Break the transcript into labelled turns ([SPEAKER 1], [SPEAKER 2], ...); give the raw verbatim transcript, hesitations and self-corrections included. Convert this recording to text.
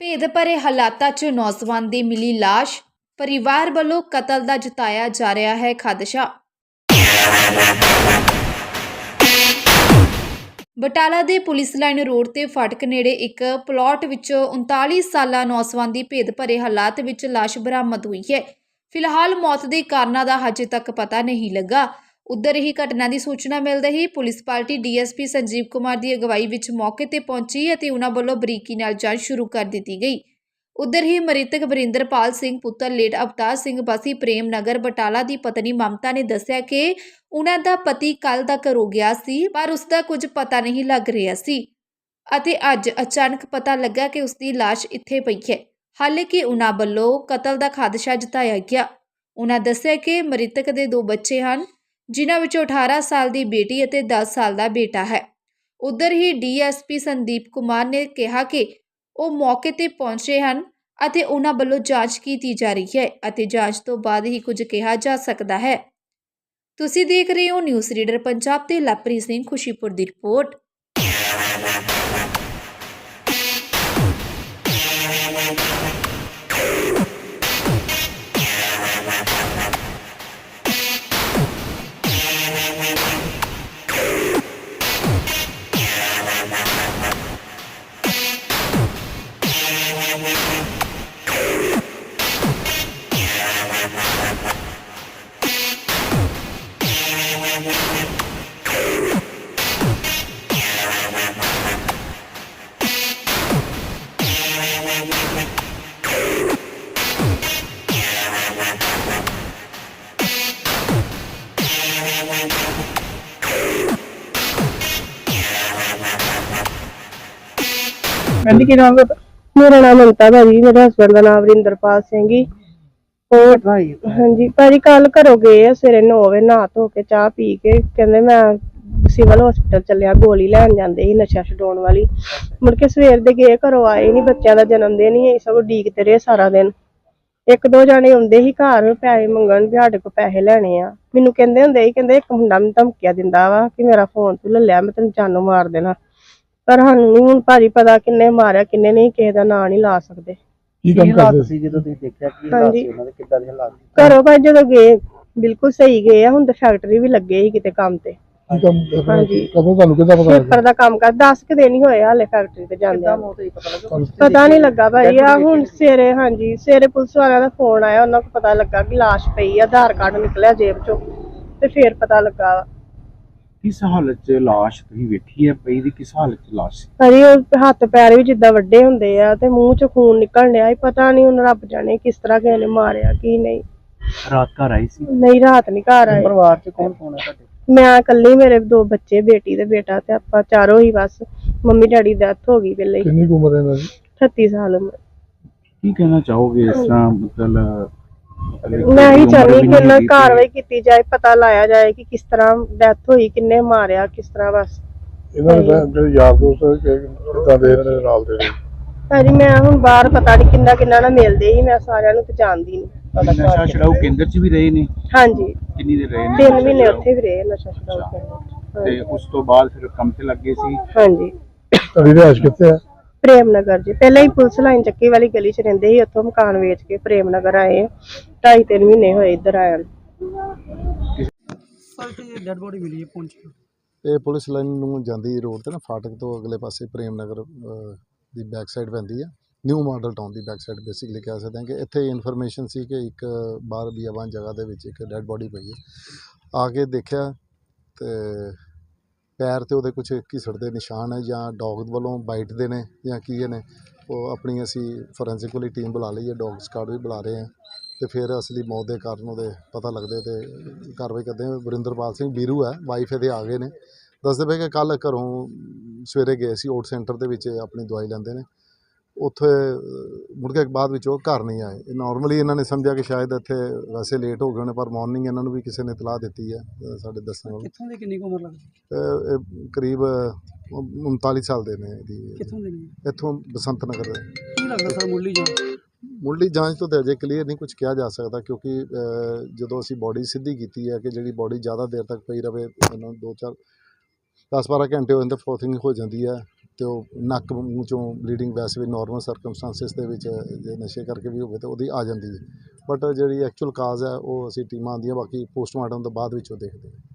[SPEAKER 1] ਭੇਦ ਭਰੇ ਹਾਲਾਤਾਂ 'ਚ ਨੌਜਵਾਨ ਦੀ ਮਿਲੀ ਲਾਸ਼। ਪਰਿਵਾਰ ਵੱਲੋਂ ਕਤਲ ਦਾ ਜਤਾਇਆ ਜਾ ਰਿਹਾ ਹੈ ਖਦਸ਼ਾ। ਬਟਾਲਾ ਦੇ ਪੁਲਿਸ ਲਾਈਨ ਰੋਡ ਤੇ ਫਾਟਕ ਨੇੜੇ ਇੱਕ ਪਲਾਟ ਵਿੱਚੋਂ ਉਨਤਾਲੀ ਸਾਲਾ ਨੌਜਵਾਨ ਦੀ ਭੇਦ ਭਰੇ ਹਾਲਾਤ ਵਿੱਚ ਲਾਸ਼ ਬਰਾਮਦ ਹੋਈ ਹੈ। ਫਿਲਹਾਲ ਮੌਤ ਦੇ ਕਾਰਨਾਂ ਦਾ ਹਜੇ ਤੱਕ ਪਤਾ ਨਹੀਂ ਲੱਗਾ। ਉਧਰ ਹੀ ਘਟਨਾ ਦੀ ਸੂਚਨਾ ਮਿਲਦੇ ਹੀ police party D S P Sanjeev Kumar ਦੀ ਅਗਵਾਈ ਵਿੱਚ ਮੌਕੇ ਤੇ ਪਹੁੰਚੀ ਅਤੇ ਉਹਨਾਂ ਵੱਲੋਂ ਬਰੀਕੀ ਨਾਲ ਜਾਂਚ ਸ਼ੁਰੂ ਕਰ ਦਿੱਤੀ ਗਈ। ਉਧਰ ਹੀ ਮ੍ਰਿਤਕ ਵਰਿੰਦਰਪਾਲ ਸਿੰਘ ਪੁੱਤਰ ਲੇਟ ਅਵਤਾਰ ਸਿੰਘ ਵਾਸੀ ਪ੍ਰੇਮ ਨਗਰ ਬਟਾਲਾ ਦੀ ਪਤਨੀ ਮਮਤਾ ਨੇ ਦੱਸਿਆ ਕਿ ਉਹਨਾਂ ਦਾ ਪਤੀ ਕੱਲ ਦਾ ਘਰੋਂ ਗਿਆ ਸੀ, ਪਰ ਉਸ ਦਾ ਕੁਝ ਪਤਾ ਨਹੀਂ ਲੱਗ ਰਿਹਾ ਸੀ ਅਤੇ ਅੱਜ ਅਚਾਨਕ ਪਤਾ ਲੱਗਾ ਕਿ ਉਸ ਦੀ ਲਾਸ਼ ਇੱਥੇ ਪਈ ਹੈ। ਹਾਲਾਂਕਿ ਉਹਨਾਂ ਵੱਲੋਂ ਕਤਲ ਦਾ ਖਦਸ਼ਾ ਜਤਾਇਆ ਗਿਆ। ਉਹਨਾਂ ਦੱਸਿਆ ਕਿ ਮ੍ਰਿਤਕ ਦੇ ਦੋ ਬੱਚੇ ਹਨ, ਜਿਨ੍ਹਾਂ ਵਿੱਚੋਂ ਅਠਾਰਾਂ ਸਾਲ ਦੀ ਬੇਟੀ ਅਤੇ ਦਸ ਸਾਲ ਦਾ ਬੇਟਾ ਹੈ। ਉਧਰ ਹੀ D S P Sandeep Kumar ਨੇ ਕਿਹਾ ਕਿ ਉਹ ਮੌਕੇ ਤੇ ਪਹੁੰਚੇ ਹਨ ਅਤੇ ਉਹਨਾਂ ਵੱਲੋਂ ਜਾਂਚ ਕੀਤੀ ਜਾ ਰਹੀ ਹੈ ਅਤੇ ਜਾਂਚ ਤੋਂ ਬਾਅਦ ਹੀ ਕੁਝ ਕਿਹਾ ਜਾ ਸਕਦਾ ਹੈ। ਤੁਸੀਂ ਦੇਖ ਰਹੇ ਹੋ ਨਿਊਜ਼ ਰੀਡਰ ਪੰਜਾਬ ਤੇ ਲਵਪ੍ਰੀਤ ਸਿੰਘ ਖੁਸ਼ੀਪੁਰ ਦੀ ਰਿਪੋਰਟ।
[SPEAKER 2] ਕਹਿੰਦੀ ਕੀ ਨਾਮ ਹੈ?
[SPEAKER 3] ਮੇਰਾ ਨਾਮ ਮਮਤਾ ਭਾਜੀ, ਮੇਰੇ ਹਸਬੈਂਡ ਦਾ ਨਾਮ ਵਰਿੰਦਰਪਾਲ ਸਿੰਘ ਜੀ। ਹੋਰ
[SPEAKER 2] ਭਾਈ
[SPEAKER 3] ਹਾਂਜੀ ਭਾਜੀ, ਕੱਲ ਘਰੋਂ ਗਏ ਆ ਸਵੇਰੇ ਨੌ ਵਜੇ, ਨਹਾ ਧੋ ਕੇ ਚਾਹ ਪੀ ਕੇ ਕਹਿੰਦੇ ਮੈਂ ਸਿਵਲ ਹਸਪੀਟਲ ਚੱਲਿਆ, ਗੋਲੀ ਲੈਣ ਜਾਂਦੇ ਸੀ ਨਸ਼ਾ ਛਡਾਉਣ ਵਾਲੀ। ਮੁੜ ਕੇ ਸਵੇਰ ਦੇ ਗਏ, ਘਰੋਂ ਆਏ ਨੀ, ਬੱਚਿਆਂ ਦਾ ਜਨਮ ਦਿਨ ਹੀ ਸਭ ਉਡੀਕਦੇ ਰਹੇ ਸਾਰਾ ਦਿਨ। ਇੱਕ ਦੋ ਜਾਣੇ ਆਉਂਦੇ ਸੀ ਘਰ ਪੈਸੇ ਮੰਗਣ ਵੀ ਸਾਡੇ ਕੋਲ ਪੈਸੇ ਲੈਣੇ ਆ। ਮੈਨੂੰ ਕਹਿੰਦੇ ਹੁੰਦੇ ਸੀ, ਕਹਿੰਦੇ ਇੱਕ ਮੁੰਡਾ ਮੈਨੂੰ ਧਮਕੀਆਂ ਦਿੰਦਾ ਵਾ ਕਿ ਮੇਰਾ ਫੋਨ ਤੂੰ ਲੈ ਲਿਆ, ਮੈਂ ਤੈਨੂੰ ਜਾਨੋਂ ਮਾਰ ਦੇਣਾ। ਪਰ ਸਾਨੂੰ ਨੀ ਹੁਣ ਭਾਜੀ ਪਤਾ ਕਿੰਨੇ ਮਾਰਿਆ ਕਿੰਨੇ ਨਹੀਂ, ਕਿਸੇ ਦਾ ਨਾਂ ਨਹੀਂ ਲਾ ਸਕਦੇ।
[SPEAKER 2] ਕੀ ਕੰਮ ਕਰਦੇ ਸੀ ਜਦੋਂ ਤੁਸੀਂ ਦੇਖਿਆ ਕਿ ਹਾਲਾਤ ਸੀ ਉਹਨਾਂ ਦੇ, ਕਿੱਦਾਂ ਦੇ ਹਾਲਾਤ?
[SPEAKER 3] ਘਰੋਂ ਭਾਈ ਜਦੋਂ ਗਏ ਬਿਲਕੁਲ ਸਹੀ ਗਏ ਆ। ਹੁਣ ਤਾਂ ਫੈਕਟਰੀ ਵੀ ਲੱਗੇ ਸੀ ਕਿਤੇ ਕੰਮ ਤੇ।
[SPEAKER 2] ਕੀ ਕੰਮ
[SPEAKER 3] ਹਾਂਜੀ,
[SPEAKER 2] ਕਦੋਂ ਤੁਹਾਨੂੰ ਕਿੱਦਾਂ ਪਤਾ ਲੱਗਾ?
[SPEAKER 3] ਪੇਪਰ ਦਾ ਕੰਮ ਕਰ ਦਸ ਕੁ ਦਿਨ ਹੀ ਹੋਏ ਹਾਲੇ ਫੈਕਟਰੀ ਤੇ ਜਾਂਦੇ। ਪਤਾ ਨਹੀਂ ਲੱਗਾ ਭਾਈ, ਆ ਹੁਣ ਸਵੇਰੇ ਹਾਂਜੀ ਸਵੇਰੇ ਪੁਲਿਸ ਵਾਲਿਆਂ ਦਾ ਫੋਨ ਆਇਆ, ਉਹਨਾਂ ਨੂੰ ਪਤਾ ਲੱਗਾ ਕਿ ਲਾਸ਼ ਪਈ ਆ, ਆਧਾਰ ਕਾਰਡ ਨਿਕਲਿਆ ਜੇਬ ਚੋਂ ਤੇ ਫੇਰ ਪਤਾ ਲੱਗਾ।
[SPEAKER 4] ਕਿਸ ਹਾਲਤ 'ਚ ਲਾਸ਼ ਤੁਸੀਂ ਵੇਖੀ ਹੈ ਪਈ ਦੀ? ਕਿਸ ਹਾਲਤ 'ਚ ਲਾਸ਼?
[SPEAKER 3] ਭਾਜੀ ਉਹ ਹੱਥ ਪੈਰ ਵੀ ਜਿੱਦਾਂ ਵੱਡੇ ਹੁੰਦੇ ਆ ਤੇ ਮੂੰਹ ਚ ਖੂਨ ਨਿਕਲ ਰਿਹਾ, ਪਤਾ ਨਹੀਂ ਹੁਣ ਰੱਬ ਜਾਣੇ ਕਿਸ ਤਰ੍ਹਾਂ ਕਿਸੇ ਨੇ ਮਾਰਿਆ ਕੀ ਨਹੀਂ।
[SPEAKER 4] ਰਾਤ ਘਰ ਆਈ ਸੀ?
[SPEAKER 3] ਨਹੀਂ ਰਾਤ ਨਹੀਂ ਘਰ ਆਏ।
[SPEAKER 2] ਪਰਿਵਾਰ ਚ ਕੌਣ ਕੌਣ ਹੈ ਤੁਹਾਡੇ?
[SPEAKER 3] ਮੈਂ ਇਕੱਲੀ, ਮੇਰੇ ਦੋ ਬੱਚੇ, ਬੇਟੀ ਤੇ ਬੇਟਾ, ਤੇ ਆਪਾਂ ਚਾਰੋਂ ਹੀ ਬਸ। ਮੰਮੀ ਡੈਡੀ ਦੀ ਡੈਥ ਹੋ ਗਈ ਪਹਿਲੇ ਹੀ।
[SPEAKER 2] ਕਿੰਨੀ ਕੁ ਉਮਰ ਹੈ ਇਹਨਾਂ ਦੀ?
[SPEAKER 3] ਅਠੱਤੀ ਸਾਲ ਉਮਰ।
[SPEAKER 4] ਕੀ ਕਹਿਣਾ ਚਾਹੋਗੇ ਇਸ ਤਰ੍ਹਾਂ? ਮਤਲਬ
[SPEAKER 3] ਮੈਂ ਹੀ ਚਾਹੁੰਦੀ ਕਿ ਇਹਨਾਂ ਦੀ ਕਾਰਵਾਈ ਕੀਤੀ ਜਾਏ, ਪਤਾ ਲਾਇਆ ਜਾਏ ਕਿ ਕਿਸ ਤਰ੍ਹਾਂ ਡੈਥ ਹੋਈ, ਕਿੰਨੇ ਮਾਰਿਆ, ਕਿਸ ਤਰ੍ਹਾਂ। ਬਸ
[SPEAKER 2] ਇਹਨਾਂ ਦੇ ਜਿਹੜੇ ਯਾਰ ਦੋਸਤ ਕਿੱਦਾਂ ਦੇ ਇਹਨਾਂ ਦੇ ਨਾਲ ਦੇ ਨੇ?
[SPEAKER 3] ਭਾਜੀ ਮੈਂ ਹੁਣ ਬਾਹਰ ਪਤਾ ਨਹੀਂ ਕਿੰਨਾ ਕਿੰਨਾ ਨਾਲ ਮਿਲਦੇ ਸੀ, ਮੈਂ ਸਾਰਿਆਂ ਨੂੰ ਪਛਾਣਦੀ ਨਹੀਂ।
[SPEAKER 4] ਨਸ਼ਾ ਛਡਾਊ ਕੇਂਦਰ 'ਚ ਵੀ ਰਹੇ ਨੇ?
[SPEAKER 3] ਹਾਂਜੀ
[SPEAKER 4] ਕਿੰਨੀ ਦੇਰ ਰਹੇ ਨੇ?
[SPEAKER 3] ਤਿੰਨ ਮਹੀਨੇ ਉੱਥੇ ਵੀ ਰਹੇ ਨਸ਼ਾ ਛਡਾਊ ਕੇਂਦਰ।
[SPEAKER 4] ਤੇ ਉਸ ਤੋਂ ਬਾਅਦ ਫਿਰ ਕੰਮ ਤੇ ਲੱਗੇ ਸੀ?
[SPEAKER 3] ਹਾਂਜੀ।
[SPEAKER 2] ਤੁਹਾਡੀ ਰਿਹਾਇਸ਼ ਕਿੱਥੇ ਹੈ?
[SPEAKER 3] ਪ੍ਰੇਮ ਨਗਰ ਜੀ, ਪਹਿਲਾਂ ਹੀ ਪੁਲਿਸ ਲਾਈਨ ਚੱਕੀ ਵਾਲੀ ਗਲੀ 'ਚ ਰਹਿੰਦੇ ਸੀ, ਉੱਥੋਂ ਮਕਾਨ ਵੇਚ ਕੇ ਪ੍ਰੇਮ ਨਗਰ ਆਏ। ਢਾਈ ਤਿੰਨ ਮਹੀਨੇ ਹੋਏ ਇੱਧਰ ਆਇਆ।
[SPEAKER 2] ਡੈਡ ਬੋਡੀ ਮਿਲੀ ਹੈ ਪਹੁੰਚ।
[SPEAKER 5] ਇਹ ਪੁਲਿਸ ਲਾਈਨ ਨੂੰ ਜਾਂਦੀ ਰੋਡ ਤੇ ਨਾ, ਫਾਟਕ ਤੋਂ ਅਗਲੇ ਪਾਸੇ ਪ੍ਰੇਮ ਨਗਰ ਦੀ ਬੈਕ ਸਾਈਡ ਪੈਂਦੀ ਆ, ਨਿਊ ਮਾਡਲ ਟਾਊਨ ਦੀ ਬੈਕ ਸਾਈਡ ਬੇਸਿਕਲੀ ਕਹਿ ਸਕਦੇ ਹਾਂ। ਕਿ ਇੱਥੇ ਇਨਫੋਰਮੇਸ਼ਨ ਸੀ ਕਿ ਇੱਕ ਬਾਹਰ ਬੀਆਬਾਨ ਜਗ੍ਹਾ ਦੇ ਵਿੱਚ ਇੱਕ ਡੈਡ ਬੋਡੀ ਪਈ ਹੈ। ਆ ਕੇ ਦੇਖਿਆ ਤੇ ਪੈਰ ਤੇ ਉਹਦੇ ਕੁਝ ਘਿਸੜ ਦੇ ਨਿਸ਼ਾਨ ਹੈ, ਜਾਂ ਡੌਗ ਵੱਲੋਂ ਬਾਈਟ ਦੇ ਨੇ ਜਾਂ ਕੀ ਨੇ। ਉਹ ਆਪਣੀ ਅਸੀਂ ਫੋਰੈਂਸਿਕ ਵਾਲੀ ਟੀਮ ਬੁਲਾ ਲਈ ਹੈ, ਡੌਗ ਸਕਾਡ ਵੀ ਬੁਲਾ ਰਹੇ ਹਾਂ, ਤੇ ਫਿਰ ਅਸਲੀ ਮੌਤ ਦੇ ਕਾਰਨ ਉਹਦੇ ਪਤਾ ਲੱਗਦੇ ਤੇ ਕਾਰਵਾਈ ਕਰਦੇ ਹਾਂ। ਵਰਿੰਦਰਪਾਲ ਸਿੰਘ ਵੀਰੂ ਹੈ, ਵਾਈਫ ਇਹਦੇ ਆ ਗਏ ਨੇ, ਦੱਸਦੇ ਪਏ ਕਿ ਕੱਲ੍ਹ ਘਰੋਂ ਸਵੇਰੇ ਗਏ ਸੀ ਓਟ ਸੈਂਟਰ ਦੇ ਵਿੱਚ ਆਪਣੀ ਦਵਾਈ ਲੈਂਦੇ ਨੇ, ਉੱਥੇ ਮੁੜ ਕੇ ਬਾਅਦ ਵਿੱਚ ਉਹ ਘਰ ਨਹੀਂ ਆਏ। ਨੋਰਮਲੀ ਇਹਨਾਂ ਨੇ ਸਮਝਿਆ ਕਿ ਸ਼ਾਇਦ ਇੱਥੇ ਵੈਸੇ ਲੇਟ ਹੋ ਗਏ ਹੋਣੇ, ਪਰ ਮਾਰਨਿੰਗ ਇਹਨਾਂ ਨੂੰ ਵੀ ਕਿਸੇ ਨੇ ਇਤਲਾਹ ਦਿੱਤੀ ਹੈ ਸਾਡੇ ਦੱਸਣ ਵਾਲੇ।
[SPEAKER 2] ਕਿੱਥੋਂ ਦੀ ਕਿੰਨੀ ਉਮਰ ਲੱਗਦੀ?
[SPEAKER 5] ਇਹ ਕਰੀਬ ਉਨਤਾਲੀ ਸਾਲ ਦੇ ਨੇ।
[SPEAKER 2] ਕਿੱਥੋਂ ਦੇ ਨੇ?
[SPEAKER 5] ਇੱਥੋਂ ਬਸੰਤ ਨਗਰ ਦੇ।
[SPEAKER 2] ਕੀ ਲੱਗਦਾ ਸਰ ਮੁੱਢਲੀ ਜਾਂਚ?
[SPEAKER 5] ਮੁੱਢਲੀ ਜਾਂਚ ਤੋਂ ਤਾਂ ਅਜੇ ਕਲੀਅਰ ਨਹੀਂ ਕੁਝ ਕਿਹਾ ਜਾ ਸਕਦਾ, ਕਿਉਂਕਿ ਜਦੋਂ ਅਸੀਂ ਬੋਡੀ ਸਿੱਧੀ ਕੀਤੀ ਹੈ ਕਿ ਜਿਹੜੀ ਬੋਡੀ ਜ਼ਿਆਦਾ ਦੇਰ ਤੱਕ ਪਈ ਰਹੇ, ਇਹਨਾਂ ਦੋ ਚਾਰ ਦਸ ਬਾਰਾਂ ਘੰਟੇ ਹੋ ਜਾਂਦੇ, ਫਰੋਥਿੰਗ ਹੋ ਜਾਂਦੀ ਹੈ, ਤੇ ਉਹ ਨੱਕ ਮੂੰਹ ਚੋਂ ਬਲੀਡਿੰਗ ਵੈਸੇ ਵੀ ਨਾਰਮਲ ਸਰਕਮਸਟੈਂਸਿਸ ਦੇ ਵਿੱਚ ਜੇ ਨਸ਼ੇ ਕਰਕੇ ਵੀ ਹੋਵੇ ਤਾਂ ਉਹਦੀ ਆ ਜਾਂਦੀ ਹੈ, ਬਟ ਜਿਹੜੀ ਐਕਚੁਅਲ ਕਾਜ਼ ਹੈ ਉਹ ਅਸੀਂ ਟੀਮਾਂ ਆਉਂਦੀਆਂ ਬਾਕੀ ਪੋਸਟਮਾਰਟਮ ਤੋਂ ਬਾਅਦ ਵਿੱਚ ਉਹ ਦੇਖਦੇ ਹਾਂ।